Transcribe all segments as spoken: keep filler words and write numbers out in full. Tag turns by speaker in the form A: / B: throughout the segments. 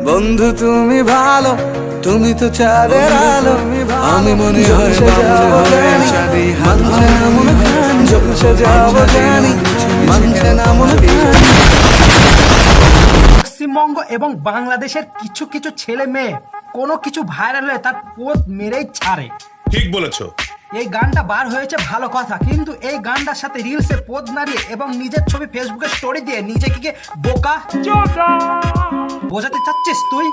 A: বন্ধু তুমি ভালো, তুমি তো চাঁদের আলো, আমি মনে হয় চাঁদি মানছে না মনে খান, জলসে যাবো জানি মানছে না মনে খান।
B: পশ্চিমবঙ্গ এবং বাংলাদেশের কিছু কিছু ছেলে মেয়ে কোনো কিছু ভাইরাল হয়ে তার পোস্ট মেরেই ছাড়ে।
C: ঠিক বলেছো।
B: এই গানটা বার হয়েছে ভালো কথা, কিন্তু এই গানটার সাথে রিলসে পোজ নাড়িয়ে এবং নিজের ছবি ফেসবুকে স্টোরি দিয়ে নিজেকে কি বোকা বোঝাতে চাচ্ছিস তুই?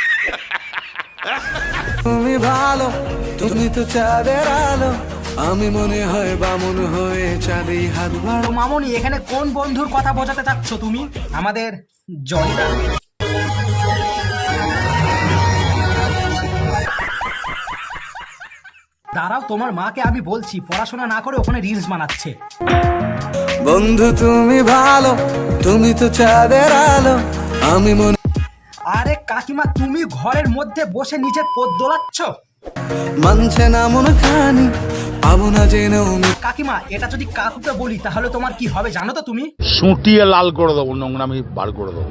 A: তুমি ভালো, তুমি তো চাঁদের আলো, আমি মনে হয় বামুন হয়ে চাঁদি হাত বাড়ো।
B: তো মামনি, এখানে কোন বন্ধুর কথা বোঝাতে চাচ্ছ তুমি? আমাদের জনিদা? দাঁড়াও, তোমার মাকে আমি বলছি, পড়াশোনা না করে ওখানে রিলস বানাচ্ছে।
A: বন্ধু তুমি ভালো, তুমি তো চাঁদের আলো, আমি মনে।
B: আরে কাকিমা, তুমি ঘরের মধ্যে বসে নিজের পথ দোলাচ্ছ।
A: মানছে না মনে খানি, পাবো না জেনেও।
B: কাকিমা, এটা যদি কাকুকে বলি তাহলে তোমার কি হবে জানো তো তুমি?
D: সুটিয়ে লাল করে দেবো, নোংরামি বার করে দেবো।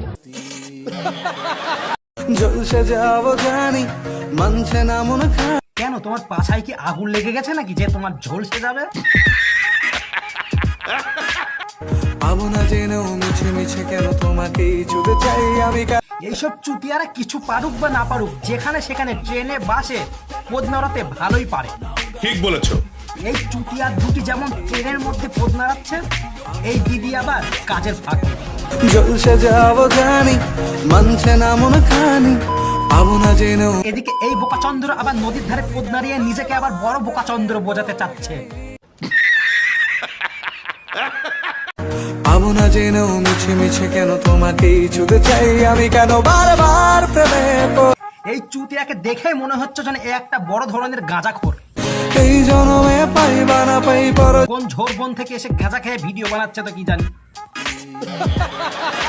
A: জলসে যাবো জানি মানছে না মনে খানি।
B: কেন, তোমার পাছায় কি আগুন লেগে গেছে নাকি যে তোমার ঝলসে যাবে?
A: পাবো না জেনেও মিছে মিছে কেন তোমাকে চুদে চাই আমি।
B: এইসব চুটিয়ারা কিছু পারুক বা না পারুক, যেখানে সেখানে ট্রেনে বাসে পদ নাড়াতে ভালোই পারে।
C: ঠিক বলেছো।
B: এই চুটিয়ার দুটি যেমন ট্রেনের মধ্যে পদ নাড়াচ্ছে, এই দিদি আবার কাজের ফাঁকে।
A: জলসে যাবো জানি মানছে না মনে খানি, পাবো না জেনেও।
B: এদিকে এই বোকাচন্দ্র আবার নদীর ধারে পদ নাড়িয়ে নিজেকে আবার বড় বোকাচন্দ্র বোঝাতে চাচ্ছে।
A: পাবো না জেনেও মিছে মিছে কেন তোমাকে চুদে চাই আমি, কেন বারবার প্রেমে পড়ি।
B: এই চুতিয়াকে দেখে মনে হচ্ছে যেন এ একটা বড় ধরনের গাঁজাখোর।
A: এই জনমে পাইবা না পাই পর।
B: কোন ঝোর বন থেকে এসে গাঁজা খেয়ে ভিডিও বানাচ্ছে তো কি জানি।